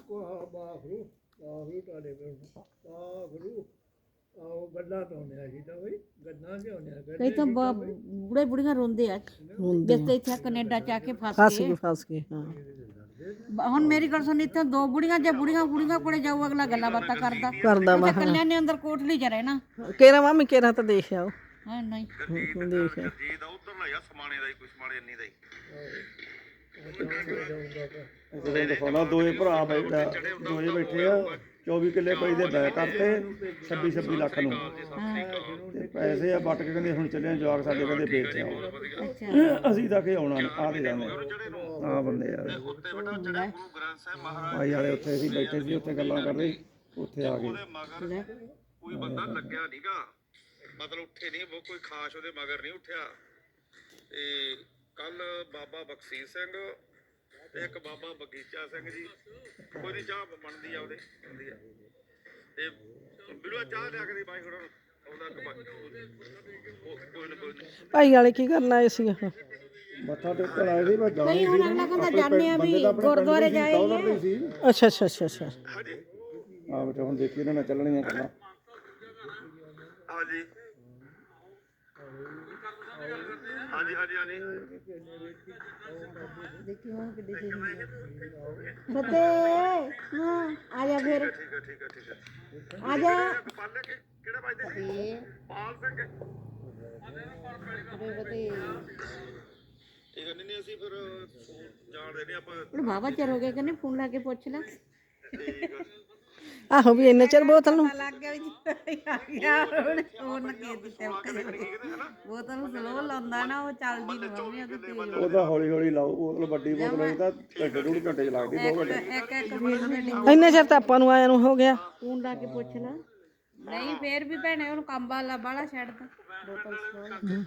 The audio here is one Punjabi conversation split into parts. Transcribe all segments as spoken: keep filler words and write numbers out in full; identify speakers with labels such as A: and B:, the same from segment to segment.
A: ਕੋ ਬਾਖਰੂ ਬਾਖਰੂ ਤੁਹਾਡੇ ਕੋਲ ਬਾਖਰੂ ਆਹ ਗੱਲਾਂ ਤੋਂ ਆਉਂਦੇ ਆ ਜੀ ਤਾਂ ਬਈ ਗੱਲਾਂ ਤੇ ਆਉਂਦੇ ਆ
B: ਕਈ ਤਾਂ ਬੁੜੇ ਬੁੜੀਆਂ ਰੋਂਦੇ ਆ ਜਿੱਤੇ ਇੱਥੇ ਕੈਨੇਡਾ ਚ ਆ ਕੇ ਫਸ
C: ਫਸ
B: ਗਏ
C: ਗਏ ਫਸ ਗਏ ਹਾਂ
B: ਹੁਣ ਮੇਰੀ ਗੱਲ ਸੁਣ ਇੱਥੇ ਦੋ ਬੁੜੀਆਂ ਜੇ ਬੁੜੀਆਂ ਬੁੜੀਆਂ ਕੋਲੇ ਜਾਊ ਅਗਲਾ ਗੱਲਾਂ ਬਾਤਾਂ ਕਰਦਾ
C: ਕਰਦਾ ਵਾ
B: ਇੱਥੇ ਕੱਲਿਆਂ ਨੇ ਅੰਦਰ ਕੋਠਲੀ ਚ ਰਹਿਣਾ
C: ਕੇਰਾ ਮਾਮੀ ਕੇਰਾ ਤਾਂ ਦੇਖ ਆਓ
B: ਹਾਂ ਨਹੀਂ
C: ਦੇਖ ਆਓ।
D: ਜੀ ਦਾ ਉਧਰ ਨਾ ਯਾ ਸਮਾਣੇ ਦਾ ਹੀ ਕੋਈ ਸਮਾਣੇ ਇੰਨੀ ਦਾ ਹੀ
E: ਜਦੋਂ ਦਿਖਾਉਣਾ ਦੋਏ ਭਰਾ ਬੈਠਾ ਦੋਏ ਬੈਠੇ ਆ ਚੌਵੀ ਕਿੱਲੇ ਕੋਈ ਦੇ ਬੈ ਕਰਤੇ ਛੱਬੀ ਛੱਬੀ ਲੱਖ ਨੂੰ ਤੇ ਪੈਸੇ ਆ ਵੱਟ ਕੇ ਕਹਿੰਦੇ ਹੁਣ ਚੱਲੇ ਆ ਜਵਾਕ ਸਾਡੇ ਕਹਿੰਦੇ ਵੇਚ ਆਓ ਅਸੀਂ ਤਾਂ ਕਿ ਆਉਣਾ ਆ ਤੇ ਜਾਂਦੇ ਆ ਬੰਦੇ ਯਾਰ
D: ਉੱਤੇ ਬੇਟਾ ਜਿਹੜੇ ਗੁਰੂ ਗ੍ਰੰਥ ਸਾਹਿਬ ਮਹਾਰਾਜ
E: ਭਾਈ ਵਾਲੇ ਉੱਥੇ ਅਸੀਂ ਬੈਠੇ ਸੀ ਉੱਥੇ ਗੱਲਾਂ ਕਰ ਰਹੇ ਉੱਥੇ ਆ ਗਏ
D: ਦੇ ਮਗਰ ਕੋਈ ਬੰਦਾ ਲੱਗਿਆ ਨਹੀਂਗਾ ਮਤਲਬ ਉੱਠੇ ਨਹੀਂ ਉਹ ਕੋਈ ਖਾਸ ਉਹਦੇ ਮਗਰ ਨਹੀਂ ਉੱਠਿਆ ਤੇ ਕੱਲ ਬਾਬਾ ਬਖਸ਼ੀਸ਼ ਸਿੰਘ ਤੇ ਇੱਕ ਬਾਬਾ ਬਗੀਚਾ ਸਿੰਘ ਜੀ ਕੋਈ ਦੀ ਚਾਹ ਬਣਦੀ ਆ ਉਹਦੇ ਬਣਦੀ ਆ ਤੇ ਬਿਲਵਾ ਚਾਹ ਲਿਆ ਕੇ ਦੀ ਬਾਈ ਖੜਾ ਉਹਦਾ ਕੋਈ ਨਾ ਕੋਈ
C: ਭਾਈ ਵਾਲੇ ਕੀ ਕਰਨ ਆਏ ਸੀ ਉਹ
E: ਮੱਥਾ ਟੇਕਣ ਆਏ ਸੀ ਮੈਂ ਜਾਣਾ
B: ਕਈ ਹੁਣ ਅਗਲਾ ਕਹਿੰਦਾ ਜਾਂਦੇ ਆ ਵੀ ਗੁਰਦੁਆਰੇ ਜਾਏ
E: ਸੀ
C: ਅੱਛਾ ਅੱਛਾ ਅੱਛਾ ਅੱਛਾ
E: ਆ ਬੇਟਾ ਹੁਣ ਦੇਖੀ ਇਹਨਾਂ ਨਾਲ ਚੱਲਣੀਆਂ ਗੱਲਾਂ
D: ਹਾਂਜੀ ਹਾਂਜੀ ਹਾਂਜੀ ਹਾਂਜੀ
B: ਫਤੇ ਹਾਂ ਆ ਜਾ ਫਿਰ
D: ਠੀਕ ਹੈ ਠੀਕ ਹੈ ਠੀਕ ਹੈ
B: ਆ ਜਾ
D: ਪਾਲੇ ਕਿਹੜਾ ਵੱਜਦੇ ਸੀ ਪਾਲ ਸਿੰਘ ਠੀਕ ਹੈ ਨਹੀਂ ਨਹੀਂ ਅਸੀਂ ਫਿਰ ਜਾਣਦੇ ਨਹੀਂ ਆਪਾਂ
B: ਹੁਣ ਬਾਬਾ ਚਿਰ ਹੋ ਗਿਆ ਕਹਿੰਦੇ ਫੋਨ ਲਾ ਕੇ ਪੁੱਛ ਲੈ
D: ਠੀਕ ਹੈ
C: ਆਹੋ ਵੀ ਇੰਨੇ ਚਿਰ ਬੋਤਲ ਨੂੰ
B: ਲੱਗ ਗਿਆ ਵੀ ਆ ਗਿਆ ਹੁਣ ਫੋਨ ਕੇ ਦਿੱਤੇ ਬੋਤਲ ਨੂੰ ਸਲੋ ਲਾਉਂਦਾ ਨਾ ਉਹ ਚੱਲਦੀ ਨਹੀਂ ਮੰਮੀ ਉਹਦੇ ਤੇਜ਼
E: ਉਹਦਾ ਹੌਲੀ ਹੌਲੀ ਲਾਓ ਬੋਤਲ ਵੱਡੀ ਬੋਤਲ ਹੋਈ ਤਾਂ ਘੰਟੇ ਡੂਢ ਘੰਟੇ ਚ ਲੱਗਦੀ ਦੋ ਘੰਟੇ
B: ਇੱਕ ਇੱਕ ਮਿੰਟ ਦੇ ਡਿੱਗੀ
C: ਇੰਨੇ ਚਿਰ ਤਾਂ ਆਪਾਂ ਨੂੰ ਆਇਆ ਨੂੰ ਹੋ ਗਿਆ
B: ਫੋਨ ਲਾ ਕੇ ਪੁੱਛ ਲੈ ਨਹੀਂ ਫੇਰ ਵੀ ਭੈਣੇ ਉਹਨੂੰ ਕੰਮ ਵਾਲਾ ਬਾਹਲਾ ਛੱਡਦਾ ਬੋਤਲ ਸਲੋ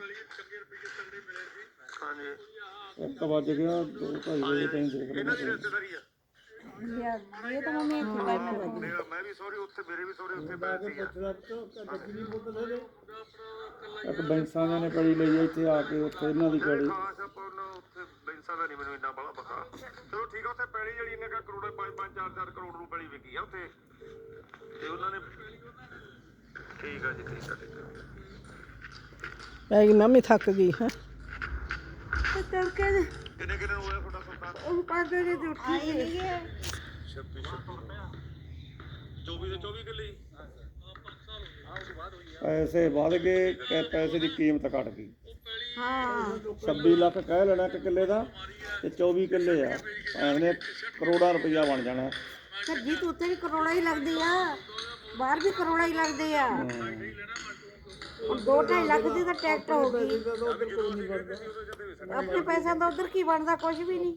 D: ਹਾਂਜੀ
E: ਇੱਕ ਵੱਜ ਗਿਆ ਦੋ ਢਾਈ ਵਜੇ ਤਾਈਂ ਦੇਖ ਲੈਣਾ
D: ਰਿਸ਼ਤੇਦਾਰੀ ਆ
B: ਲਿਆ ਇਹ ਤਾਂ ਮੰਮੀ ਇੱਥੇ ਬੈਠ ਕੇ ਵੱਜੀ
D: ਮੇਰਾ ਮੈਂ ਵੀ ਸੌਰੀ ਉੱਥੇ ਮੇਰੇ ਵੀ ਸੌਰੀ ਉੱਥੇ ਬੈਠ ਸੀ
E: ਇੱਕ ਬੈਂਸਾਂ ਨੇ ਕੜੀ ਲਈ ਆ ਇੱਥੇ ਆ ਕੇ ਉੱਥੇ ਇਹਨਾਂ ਦੀ ਕੜੀ
D: ਖਾਸ ਆਪਾਂ ਉਹਨਾਂ ਉੱਥੇ ਬੈਂਸਾਂ ਦਾ ਨਹੀਂ ਮੈਨੂੰ ਇੰਨਾ ਬੜਾ ਪਤਾ ਚਲੋ ਠੀਕ ਆ ਉੱਥੇ ਪੈਲੀ ਜਿਹੜੀ ਇਹਨੇ ਕਾ ਕਰੋੜੇ ਪੰਜ ਪੰਜ ਚਾਰ ਚਾਰ ਕਰੋੜ ਨੂੰ ਪੈਲੀ ਵਿਕੀ ਆ ਉੱਥੇ ਤੇ ਉਹਨਾਂ ਨੇ ਠੀਕ ਆ ਜੀ ਠੀਕ ਆ ਠੀਕ ਆ
C: ਪੈ ਗਈ ਮੰਮੀ ਥੱਕ ਗਈ ਹੈ
B: ਤੜਕੇ ਦੇ
D: ਕਿੰਨੇ ਕਿੰਨੇ ਨੂੰ ਹੋਇਆ ਤੁਹਾਡਾ ਸੁਲਤਾਨ
B: ਉਹ ਪੰਜ ਵਜੇ ਦੀ ਉੱਠੀ ਸੀ
D: ਛੱਬੀ ਚੌਵੀ ਦੇ ਚੌਵੀ ਕਿੱਲੇ ਹੀ
E: ਪੈਸੇ ਵੱਧ ਗਏ ਕਿ ਪੈਸੇ ਦੀ ਕੀਮਤ ਘਟ ਗਈ
B: ਹਾਂ
E: ਛੱਬੀ ਲੱਖ ਕਹਿ ਲੈਣਾ ਇੱਕ ਕਿੱਲੇ ਦਾ ਤੇ ਚੌਵੀ ਕਿੱਲੇ ਆ ਐਵੇਂ ਕਰੋੜਾਂ ਰੁਪਈਆ ਬਣ ਜਾਣਾ
B: ਸਰ ਜੀ ਤੂੰ ਉੱਥੇ ਵੀ ਕਰੋੜਾ ਹੀ ਲੱਗਦੀ ਆ ਬਾਹਰ ਵੀ ਕਰੋੜਾ ਹੀ ਲੱਗਦੇ ਆ ਹੁਣ ਦੋ ਢਾਈ ਲੱਖ ਦੀ ਤਾਂ ਟਿਕਟ ਹੋ ਗਈ ਆਪਣੇ ਪੈਸਿਆਂ ਦਾ ਉਧਰ ਕੀ ਬਣਦਾ ਕੁਝ ਵੀ ਨਹੀਂ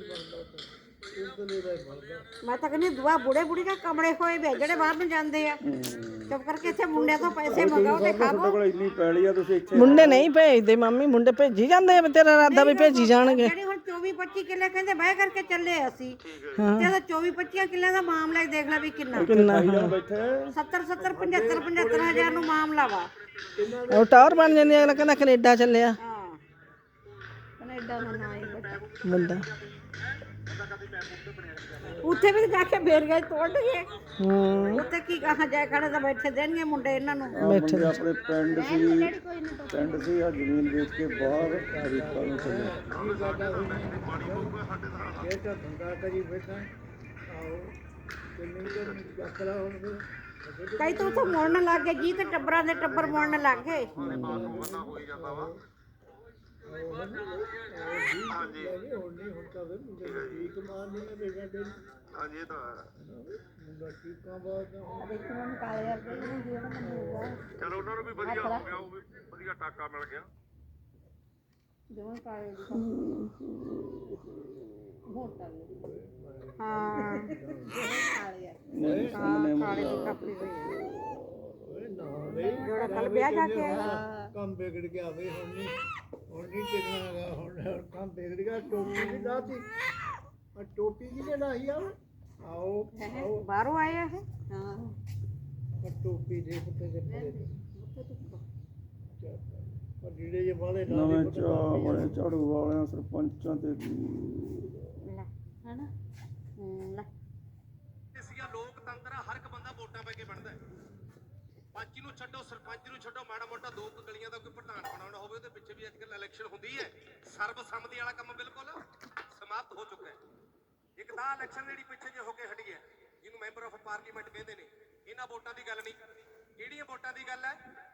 B: ਮੈਂ ਤਾਂ ਕਹਿੰਦੀ ਦੁਆ ਬੁੜੇ ਬੁੜੀ ਦਾ ਕਮੜੇ ਹੋਏ ਵੇ ਜਿਹੜੇ ਬਾਹਰ ਨੂੰ ਜਾਂਦੇ ਆ ਚੁੱਪ ਕਰਕੇ ਇੱਥੇ ਮੁੰਡਿਆਂ ਤੋਂ ਪੈਸੇ ਮੰਗਾਓ ਤੇ
E: ਤੁਹਾਡੇ
B: ਖਾਵੋ
E: ਕੋਲ ਇੰਨੀ ਪੈਲੀ ਆ ਤੁਸੀਂ ਇੱਥੇ
C: ਮੁੰਡੇ ਨਹੀਂ ਭੇਜਦੇ ਮੰਮੀ ਮੁੰਡੇ ਭੇਜੀ ਜਾਂਦੇ ਆ ਤੇਰਾ ਇਰਾਦਾ ਵੀ ਭੇਜੀ ਜਾਣਗੇ
B: ਜਿਹੜੇ ਹੁਣ ਚੌਵੀ ਪੱਚੀ ਕਿੱਲੇ ਕਹਿੰਦੇ ਬਹਿ ਕਰਕੇ ਚੱਲੇ ਅਸੀਂ ਤੇ ਉਹਦਾ ਚੌਵੀ ਪੱਚੀ ਕਿੱਲਿਆਂ ਦਾ ਮਾਮਲਾ ਹੀ ਦੇਖ ਲੈ ਵੀ ਕਿੰਨਾ
C: ਕਿੰਨਾ
E: ਭਾਈਜਾਨ ਬੈਠੇ
B: ਸੱਤਰ ਸੱਤਰ ਪਝੱਤਰ ਪਝੱਤਰ ਹਜ਼ਾਰ ਨੂੰ ਮਾਮਲਾ ਵਾ
C: ਉਹ ਟਾਵਰ ਬਣ ਜਾਂਦੀ ਅਗਲਾ ਕਹਿੰਦਾ ਕੈਨੇਡਾ ਚੱਲਿਆ
B: ਹਾਂ ਕੈਨੇਡਾ ਦਾ ਨਾਂ ਹੀ ਬੜਾ
C: ਮੁੰਡਾ
B: ਉੱਥੇ ਵੀ ਜਾ ਕੇ ਫੇਰ ਗਏ ਤੋੜ ਗਏ
C: ਹੂੰ
B: ਉੱਥੇ ਕੀ ਕਹਾਂ ਜਾਏ ਖੜੇ ਤਾਂ ਬੈਠੇ ਦੇਣਗੇ ਮੁੰਡੇ ਇਹਨਾਂ ਨੂੰ
E: ਮੁੰਡੇ ਆਪਣੇ ਪਿੰਡ ਸੀ ਪਿੰਡ ਸੀ ਆ ਜ਼ਮੀਨ ਵੇਚ ਕੇ ਬਾਹਰ ਅਮਰੀਕਾ ਨੂੰ ਚੱਲੇ
A: ਇਹ ਤਾਂ ਧੰਦਾ ਕਰੀ ਬੈਠਾ ਆਓ ਤੇ ਨਹੀਂ ਤੇ ਯਾਤਰਾ ਹੁਣ ਫਿਰ
B: ਕਈ ਤਾਂ ਉੱਥੇ ਮੁੜਨ ਲੱਗ ਗਏ ਜੀ ਤੇ ਟੱਬਰਾਂ ਦੇ ਟੱਬਰ ਮੁੜਨ ਲੱਗ ਗਏ
D: ਬੰਦਾ ਹੋ ਹੀ ਜਾਂਦਾ ਵਾ ਹਾਂਜੀ
A: ਹੁਣ ਨਹੀਂ ਹੁਣ ਤਾਂ ਫਿਰ ਮੁੰਡੇ ਠੀਕ ਮਾਰ ਨਹੀਂ ਦੇਗਾ ਦੇ
D: ਹਾਂਜੀ ਇਹ ਤਾਂ
A: ਮੁੰਡਾ ਠੀਕਾਂ ਬਾਅਦ
B: ਦੇਖੋ ਮੈਂ ਕਾਲੇ ਵਰਗੇ ਨੂੰ ਜਿਹੜਾ ਮੈਨੂੰ
D: ਚਲੋ ਉਹਨਾਂ ਨੂੰ ਵੀ ਵਧੀਆ ਹੋ ਗਿਆ ਉਹ ਵੀ ਵਧੀਆ ਟਾਕਾ ਮਿਲ ਗਿਆ
B: ਦੋਵੇਂ ਕਾਲੇ ਹਾਂ ਕਾਲੇ
E: ਨਹੀਂ ਸਾਹਮਣੇ
B: ਕਾਲੇ ਦੀ ਕਾਪੀ ਹੋਈ
A: ਓਏ ਨਾ ਵੇ
B: ਜਿਹੜਾ ਕੱਲ ਵਿਆਹ ਜਾ ਕੇ ਆਇਆ
A: ਕੰਮ ਵਿਗੜ ਗਿਆ ਵੇ ਹੁਣ ਨਹੀਂ ਹੁਣ ਨਹੀਂ ਟਿਕਣਾ ਹੈਗਾ ਹੁਣ ਹੁਣ ਕੰਮ ਵਿਗੜ ਗਿਆ ਟੋਪੀ ਵੀ ਲਾਤੀ ਆ ਟੋਪੀ ਕਿਹਨੇ ਲਾਈ ਆ ਆਓ ਆਓ
B: ਬਾਹਰੋਂ ਆਏ ਆ ਇਹ ਹਾਂ
A: ਆ ਟੋਪੀ ਦੇ ਪੁੱਤੇ ਦੇ ਪਰੇ ਪਰ ਜਿਹੜੇ ਜੇ ਵਾਲੇ ਲਾ
E: ਨਵੇਂ ਚਾਹ ਬੜੇ ਝਾੜੂ ਵਾਲਿਆਂ ਸਰਪੰਚਾਂ ਤੇ
B: ਲੈ ਹਨਾ ਹੂੰ ਲੈ
F: ਵੋਟਾਂ ਪੈ ਕੇ ਬਣਦਾ ਹੈ। ਪੰਚ ਨੂੰ ਛੱਡੋ, ਸਰਪੰਚ ਨੂੰ ਛੱਡੋ, ਮਾੜਾ ਮੋਟਾ ਦੋ ਕੁ ਗਲੀਆਂ ਦਾ ਕੋਈ ਪ੍ਰਧਾਨ ਬਣਾਉਣਾ ਹੋਵੇ ਉਹਦੇ ਪਿੱਛੇ ਵੀ ਅੱਜ ਕੱਲ੍ਹ ਇਲੈਕਸ਼ਨ ਹੁੰਦੀ ਹੈ। ਸਰਬਸੰਮਤੀ ਵਾਲਾ ਕੰਮ ਬਿਲਕੁਲ ਸਮਾਪਤ ਹੋ ਚੁੱਕਾ ਹੈ। ਇੱਕ ਤਾਂ ਇਲੈਕਸ਼ਨ ਜਿਹੜੀ ਪਿੱਛੇ ਜੇ ਹੋ ਕੇ ਹਟੀ ਹੈ, ਜਿਹਨੂੰ ਮੈਂਬਰ ਆਫ ਪਾਰਲੀਮੈਂਟ ਕਹਿੰਦੇ ਨੇ, ਇਹਨਾਂ ਵੋਟਾਂ ਦੀ ਗੱਲ ਨਹੀਂ। ਕਿਹੜੀਆਂ ਵੋਟਾਂ ਦੀ ਗੱਲ ਹੈ?